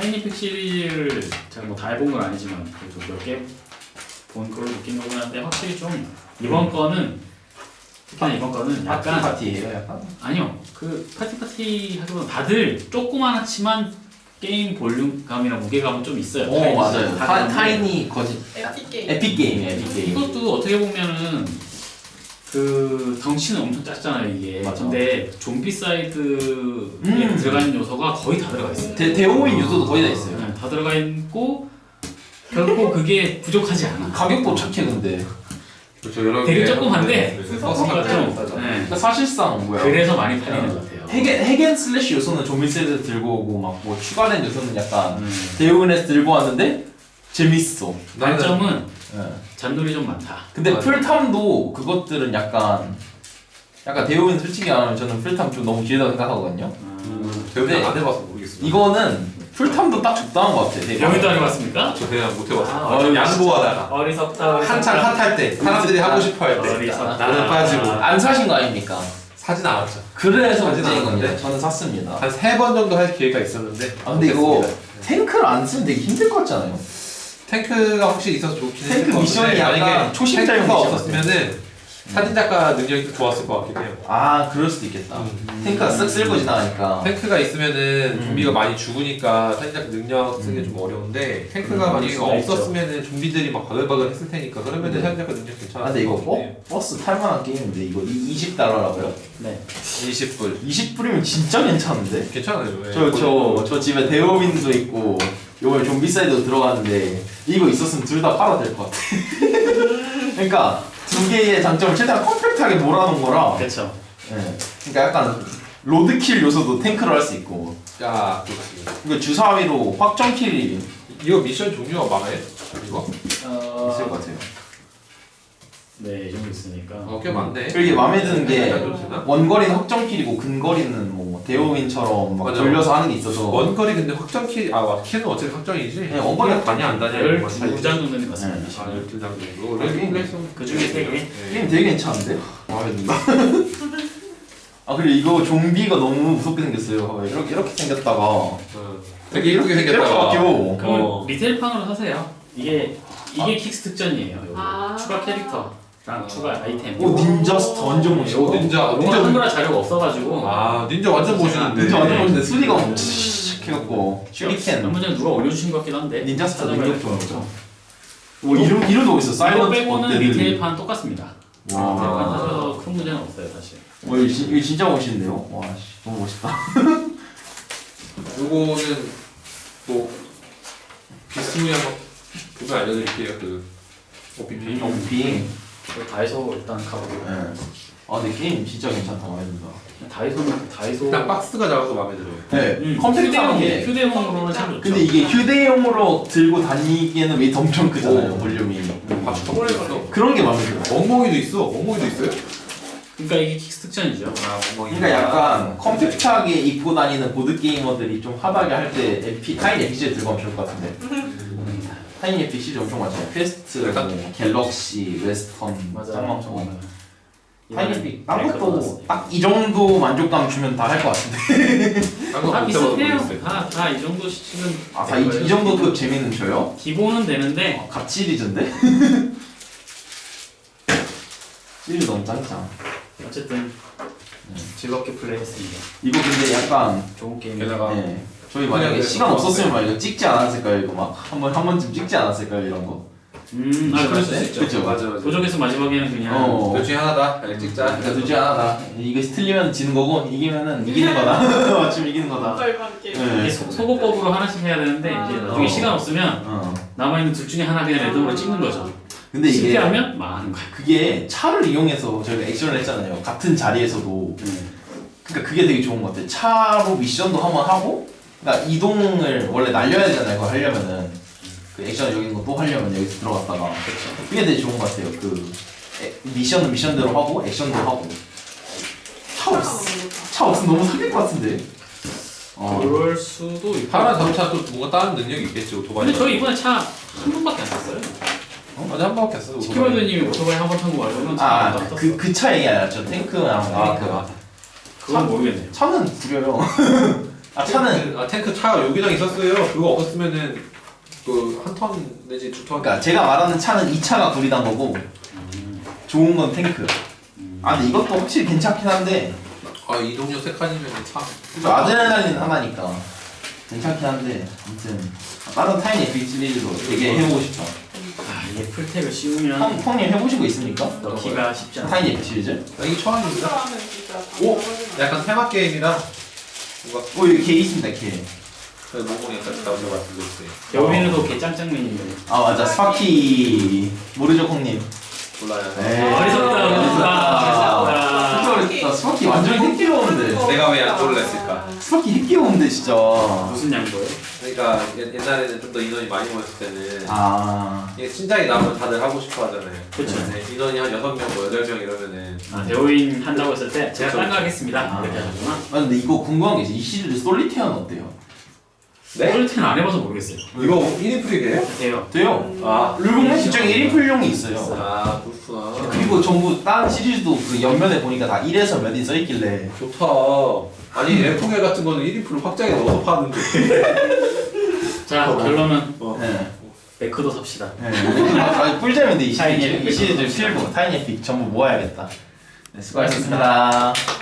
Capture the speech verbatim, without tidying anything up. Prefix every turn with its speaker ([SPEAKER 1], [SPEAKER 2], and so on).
[SPEAKER 1] 타이니픽 시리즈를 제가 뭐 다 해본 건 아니지만 그래도 몇 개 본 걸로 느낀 거긴 한데 확실히 좀 이번 음. 거는 특히나 이번 거는 약간
[SPEAKER 2] 파티 파티예요 약간?
[SPEAKER 1] 아니요 그 파티 파티 하기보다 다들 조그만하지만 게임 볼륨감이나 무게감은 좀 있어요.
[SPEAKER 2] 오 타이니, 맞아요. 타, 타이니 거짓
[SPEAKER 3] 에픽 게임.
[SPEAKER 2] 에픽 게임 에픽 게임.
[SPEAKER 1] 이것도 어떻게 보면은 그 덩치는 엄청 작잖아요 이게.
[SPEAKER 2] 맞아.
[SPEAKER 1] 근데 좀비 사이드에
[SPEAKER 2] 음.
[SPEAKER 1] 들어가는 요소가 거의 다 들어가 있어요.
[SPEAKER 2] 대 대오인 요소도 거의 다 있어요.
[SPEAKER 1] 네, 다 들어가 있고 결코 그게 부족하지 않아.
[SPEAKER 2] 가격도 착해 근데.
[SPEAKER 4] 그렇죠. 여러
[SPEAKER 1] 되게
[SPEAKER 4] 개
[SPEAKER 1] 조그만데
[SPEAKER 4] 버스
[SPEAKER 1] 뭔가
[SPEAKER 4] 같은
[SPEAKER 1] 좀
[SPEAKER 4] 거
[SPEAKER 1] 네.
[SPEAKER 2] 그러니까 사실상 뭐야?
[SPEAKER 1] 그래서 많이 팔리는 것 같아요.
[SPEAKER 2] 핵앤 핵앤 슬래시 요소는 좀비 세트 들고 오고 막 뭐 추가된 요소는 약간
[SPEAKER 1] 음.
[SPEAKER 2] 대오인에서 들고 왔는데 재밌어.
[SPEAKER 1] 단점은
[SPEAKER 2] 네.
[SPEAKER 1] 잔돌이 좀 많다.
[SPEAKER 2] 근데
[SPEAKER 4] 맞아.
[SPEAKER 2] 풀탐도 그것들은 약간 약간 대오인 솔직히 말하면 저는 풀탐 좀 너무 길다고 생각하거든요.
[SPEAKER 1] 음.
[SPEAKER 4] 배우는
[SPEAKER 2] 네.
[SPEAKER 4] 안 해봐서 모르겠어요.
[SPEAKER 2] 이거는 풀탐도 딱 적당한 것 같아. 되게.
[SPEAKER 1] 여기도 안 해봤습니까?
[SPEAKER 4] 저 그냥 못 해봤어.
[SPEAKER 1] 아,
[SPEAKER 4] 어, 양보하다가
[SPEAKER 1] 어리석다. 어리석다.
[SPEAKER 4] 한창 핫할 때 사람들이 하고 싶어 할 때
[SPEAKER 1] 어리석다.
[SPEAKER 4] 나는 빠지고
[SPEAKER 2] 안 사신 거 아닙니까?
[SPEAKER 4] 사진 않았죠.
[SPEAKER 2] 그래서
[SPEAKER 4] 사진
[SPEAKER 2] 문제인 겁니다.
[SPEAKER 4] 않았는데?
[SPEAKER 2] 저는 샀습니다.
[SPEAKER 4] 한 세 번 정도 할 기회가 있었는데
[SPEAKER 2] 아 근데 이거
[SPEAKER 4] 못했습니다.
[SPEAKER 2] 탱크를 안 쓰면 되게 힘들 것 같잖아요.
[SPEAKER 4] 탱크가 확실히 있어서 좋긴 했을
[SPEAKER 2] 탱크
[SPEAKER 4] 것
[SPEAKER 2] 미션이
[SPEAKER 4] 같은데
[SPEAKER 2] 약간
[SPEAKER 4] 만약에
[SPEAKER 2] 초심자용
[SPEAKER 4] 탱크가
[SPEAKER 2] 미션
[SPEAKER 4] 없었으면은 사진 작가 능력이 더 좋았을 것 같긴 해요.
[SPEAKER 2] 아 그럴 수도 있겠다.
[SPEAKER 4] 음.
[SPEAKER 2] 탱크가 쓱 쓸고 지나가니까.
[SPEAKER 4] 탱크가 있으면은
[SPEAKER 2] 음.
[SPEAKER 4] 좀비가 많이 죽으니까 사진 작가 능력 쓰기 좀 어려운데 탱크가
[SPEAKER 1] 음,
[SPEAKER 4] 만약에
[SPEAKER 1] 수가
[SPEAKER 4] 없었으면은 좀비들이 막 바글바글 했을 테니까 그러면은
[SPEAKER 2] 음.
[SPEAKER 4] 사진 작가 능력 괜찮아.
[SPEAKER 2] 아 근데 이거 버, 버스 탈만한 게임인데 이거 이십 달러라고요?
[SPEAKER 1] 네.
[SPEAKER 4] 이십 불
[SPEAKER 2] 이십 불이면 진짜 괜찮은데?
[SPEAKER 4] 괜찮아요. 예.
[SPEAKER 2] 저 저 저 집에 데오민도 있고 요번에 좀비사이드도 들어가는데 이거 있었으면 둘 다 팔아도 될 것 같아. 그러니까 두 개의 장점을 최대한 컴팩트하게 몰아놓은 거라.
[SPEAKER 1] 그렇죠.
[SPEAKER 2] 예. 그러니까 약간 로드킬 요소도 탱크로 할 수 있고.
[SPEAKER 4] 야 그렇습니다.
[SPEAKER 2] 그러니까 주사위로 확정킬이
[SPEAKER 4] 이거 미션 종류가 많아요? 이거?
[SPEAKER 1] 어...
[SPEAKER 2] 있을 것 같아요.
[SPEAKER 1] 네, 이 정도 있으니까.
[SPEAKER 4] 어, 꽤 많네.
[SPEAKER 2] 그리고 이게 마음에 드는 게
[SPEAKER 4] 좀 되나?
[SPEAKER 2] 원거리는 확정킬이고 근거리는 뭐 데오민처럼 막
[SPEAKER 4] 맞아.
[SPEAKER 2] 돌려서 하는 게 있어서.
[SPEAKER 4] 원거리 근데 확정 키, 아 와, 키는 어차피 확정이지?
[SPEAKER 2] 네, 원거리가
[SPEAKER 4] 많이 안 다녀요.
[SPEAKER 1] 열두 장 정도 된것 같습니다.
[SPEAKER 2] 네.
[SPEAKER 4] 아, 열두 장 정도.
[SPEAKER 2] 아, 게임.
[SPEAKER 1] 그 중에 세 개.
[SPEAKER 2] 게임 되게 괜찮은데? 마음에 든다. 아 그리고 이거 좀비가 너무 무섭게 생겼어요. 봐봐요. 이렇게 이렇게 생겼다가
[SPEAKER 4] 어. 되게 이렇게
[SPEAKER 2] 이렇게
[SPEAKER 4] 생겼다가.
[SPEAKER 2] 바뀌고.
[SPEAKER 1] 그럼
[SPEAKER 4] 어.
[SPEAKER 1] 리테일판으로 사세요. 이게 이게
[SPEAKER 2] 아.
[SPEAKER 1] 킥스 특전이에요. 요거.
[SPEAKER 3] 아.
[SPEAKER 1] 추가 캐릭터랑
[SPEAKER 4] 아.
[SPEAKER 1] 추가 아이템.
[SPEAKER 2] 오 닌자 스타 완전 멋있어.
[SPEAKER 4] 오, 닌자.
[SPEAKER 1] 뭔가 한글화 자료가 없어가지고.
[SPEAKER 4] 아, 닌자 완전 멋있는데.
[SPEAKER 2] 닌자 완전
[SPEAKER 1] 네.
[SPEAKER 2] 멋있는데 수리가 막 칙 해갖고 슈리켄.
[SPEAKER 1] 얼마 전에 누가 올려주신 것 같기도 한데.
[SPEAKER 2] 닌자 스타
[SPEAKER 1] 찾아봐야
[SPEAKER 2] 능력
[SPEAKER 1] 될것
[SPEAKER 2] 좋은
[SPEAKER 1] 같고.
[SPEAKER 2] 거죠. 오 이름 이름도 있어.
[SPEAKER 1] 이거
[SPEAKER 2] 사이런트
[SPEAKER 1] 빼고는
[SPEAKER 2] 버데드.
[SPEAKER 1] 리테일판 똑같습니다.
[SPEAKER 2] 와.
[SPEAKER 1] 리테일판 사셔서 큰 문제는 없어요 사실.
[SPEAKER 2] 와 이거, 진- 이거 진짜 멋있는데요? 와 씨, 너무 멋있다.
[SPEAKER 4] 요거는 뭐 비스무리 한번 보면 알려드릴게요. 그 오피피.
[SPEAKER 2] 오피.
[SPEAKER 1] 그 다이소 일단 가보고.
[SPEAKER 2] 네. 아 근데 게임 진짜 괜찮다 마음에 든다.
[SPEAKER 1] 다이소는 다이소.
[SPEAKER 4] 일단 박스가 작아서 마음에 들어요.
[SPEAKER 2] 네.
[SPEAKER 1] 음,
[SPEAKER 2] 컴팩트한
[SPEAKER 1] 휴대용
[SPEAKER 2] 게.
[SPEAKER 1] 휴대용으로는 참 좋죠.
[SPEAKER 2] 근데 이게 휴대용으로 들고 다니기에는 웨이트 엄청 크잖아요.
[SPEAKER 4] 오.
[SPEAKER 2] 볼륨이.
[SPEAKER 4] 아, 초콜릿 있어.
[SPEAKER 2] 그런 게 마음에 들어요.
[SPEAKER 4] 멍멍이도 있어. 멍멍이도 있어요?
[SPEAKER 1] 그러니까 이게 킥스 특전이죠.
[SPEAKER 4] 아, 멍멍이.
[SPEAKER 2] 그러니까 약간 컴팩트하게 입고 다니는 보드 게이머들이 좀 하다게 할 때 에피 타인 에피지 들고 가면 좋을 것 같은데. 타인 에피지 엄청 많잖아요. 퀘스트,
[SPEAKER 4] 약간-
[SPEAKER 2] 뭐, 갤럭시, 웨스턴,
[SPEAKER 1] 맞아.
[SPEAKER 2] 쌍망청. 타인
[SPEAKER 1] 이번에
[SPEAKER 2] 에피 딴
[SPEAKER 1] 네,
[SPEAKER 2] 것도 딱 이 정도 만족감 주면 다 할 것 같은데.
[SPEAKER 4] 한거
[SPEAKER 1] 다
[SPEAKER 4] 못 해봐서
[SPEAKER 1] 비슷해요.
[SPEAKER 4] 모르겠어요.
[SPEAKER 1] 다다 이 정도 시는
[SPEAKER 2] 아, 다 이, 이 정도 급 재미는 줘요?
[SPEAKER 1] 기본은 되는데
[SPEAKER 2] 아, 갓 시리즈인데? 시리즈 너무 짱짱.
[SPEAKER 1] 어쨌든 즐겁게 플레이했습니다.
[SPEAKER 2] 이거 근데 약간
[SPEAKER 1] 좋은 게임.
[SPEAKER 4] 게다가
[SPEAKER 2] 네. 저희 만약에
[SPEAKER 4] 그냥
[SPEAKER 2] 시간
[SPEAKER 4] 그래서
[SPEAKER 2] 없었으면 막 이거 찍지 않았을까요? 이거 막 한 번 한 번쯤 찍지 않았을까요? 이런 거.
[SPEAKER 1] 음, 아 그럴 수 있죠.
[SPEAKER 2] 그쵸?
[SPEAKER 4] 맞아, 맞아.
[SPEAKER 1] 도적에서 마지막에는 그냥
[SPEAKER 2] 어.
[SPEAKER 4] 둘 중에 하나다. 그냥 찍자.
[SPEAKER 2] 그러니까 둘 중에 하나다. 이거 틀리면 지는 거고 이기면은 이기는 거다. 맞춤 이기는 거다.
[SPEAKER 3] 절반 게임.
[SPEAKER 2] 네.
[SPEAKER 1] 이게 소, 소고법으로 하나씩 해야 되는데
[SPEAKER 3] 아.
[SPEAKER 1] 이제 나중에
[SPEAKER 2] 어.
[SPEAKER 1] 시간 없으면
[SPEAKER 2] 어.
[SPEAKER 1] 남아 있는 둘 중에 하나 그냥 랜덤으로 찍는 거죠.
[SPEAKER 2] 근데 이게
[SPEAKER 1] 실패하면 망하는 거야.
[SPEAKER 2] 그게 차를 이용해서 저희가 액션을 했잖아요. 같은 자리에서도. 그러니까 그게 되게 좋은 것 같아요. 차로 미션도 한번 하고, 그러니까 이동을 원래 날려야 되잖아요. 그거 하려면은 그 액션 여기 있는 거 또 하려면 여기서 들어갔다가 그게 되게 좋은 것 같아요. 그 에, 미션은 미션대로 하고 액션도 하고. 차 없, 차 없으면 너무 사귈 것 같은데. 어.
[SPEAKER 1] 그럴 수도 있고.
[SPEAKER 4] 파란 자동차 또 뭔가 다른 능력이 있겠지 오토바이.
[SPEAKER 1] 근데 저희 이번에 차 한 번밖에 안 탔어요.
[SPEAKER 4] 어? 맞아 한 번밖에 안 써.
[SPEAKER 1] 스키월드님이 오토바이 한 번 탄 거 말고는 차
[SPEAKER 2] 아,
[SPEAKER 1] 안 탔어.
[SPEAKER 2] 그, 그 차 얘기 아니라 저 탱크랑
[SPEAKER 4] 아,
[SPEAKER 2] 탱크.
[SPEAKER 4] 그
[SPEAKER 1] 그건 모르겠네요.
[SPEAKER 2] 차는 구려요. 아 차는
[SPEAKER 4] 탱크, 아 탱크 차 여기랑 있었어요. 그거 없었으면은 그 한 턴 내지 두 턴.
[SPEAKER 2] 그러니까 제가 말하는 차는 이 차가 구리단 거고
[SPEAKER 1] 음.
[SPEAKER 2] 좋은 건 탱크.
[SPEAKER 1] 음.
[SPEAKER 2] 아 근데 이것도 확실히 괜찮긴 한데
[SPEAKER 4] 아 이동력 세 칸이면 참.
[SPEAKER 2] 좀 아드레날린 하나니까 괜찮긴 한데 아무튼 다른 타인 에픽 시리즈도 되게 해보고 싶다.
[SPEAKER 1] 아, 이게 풀탭을
[SPEAKER 2] 형,
[SPEAKER 1] 씌우면
[SPEAKER 2] 형님 해보신 거 있습니까?
[SPEAKER 1] 넣기가 쉽지 않아.
[SPEAKER 2] 타인 에픽 시리즈?
[SPEAKER 4] 아, 이게 처음입니다.
[SPEAKER 2] 오!
[SPEAKER 4] 약간 테마 게임이라 뭔가
[SPEAKER 2] 오 여기 개 있습니다 개.
[SPEAKER 4] 모공이 약간 나오는 것 같은 거 있어요.
[SPEAKER 1] 여기는도 개 짱짱맨인데.
[SPEAKER 2] 아 맞아 스파키 모르죠 형님.
[SPEAKER 4] 몰라요.
[SPEAKER 2] 에이.
[SPEAKER 1] 어리석다,
[SPEAKER 2] 어리석다.
[SPEAKER 1] 어리석다.
[SPEAKER 2] 진짜 어리석다. 스파키 완전 핵 귀여운데.
[SPEAKER 4] 내가 왜 양보를 했을까?
[SPEAKER 2] 스파키 핵 귀여운데 진짜.
[SPEAKER 1] 무슨 양보예요?
[SPEAKER 4] 그러니까 옛- 옛날에는 좀 더 인원이 많이 모였을 때는
[SPEAKER 2] 아.
[SPEAKER 4] 이게 신작이 나오면 다들 하고 싶어 하잖아요.
[SPEAKER 1] 그쵸.
[SPEAKER 4] 네, 인원이 한 여섯 명, 뭐 여덟 명 이러면은
[SPEAKER 1] 아, 배우인 한다고 했을 때 제가
[SPEAKER 4] 그쵸,
[SPEAKER 1] 딴 거
[SPEAKER 4] 그쵸.
[SPEAKER 1] 하겠습니다.
[SPEAKER 2] 아.
[SPEAKER 1] 이렇게 하셨구나.
[SPEAKER 2] 아 근데 이거 궁금한 게 있어. 이 시리즈 솔리테어는 어때요?
[SPEAKER 4] 네?
[SPEAKER 1] 솔리테는 안 해봐서 모르겠어요.
[SPEAKER 4] 이거 일 인 프리게요?
[SPEAKER 1] 돼요.
[SPEAKER 2] 돼요.
[SPEAKER 4] 아,
[SPEAKER 2] 룰북 시중에 일 인 풀용이 있어요.
[SPEAKER 4] 아 그렇구나.
[SPEAKER 2] 그리고 전부 다른 시리즈도 그 옆면에 보니까 다 일에서 몇인 써있길래
[SPEAKER 4] 좋다. 아니 에프겔 같은 거는 일 인 프로 확장에 넣어서 파는데.
[SPEAKER 1] 자, 결론은
[SPEAKER 4] 어.
[SPEAKER 2] 네.
[SPEAKER 1] 매크도 삽시다.
[SPEAKER 2] 네. 아, 꿀잼인데 이
[SPEAKER 1] 타이니
[SPEAKER 2] 시리즈
[SPEAKER 1] 에픽.
[SPEAKER 2] 이 시리즈 필부 타이니 에픽 전부 모아야겠다. 네, 수고하셨습니다.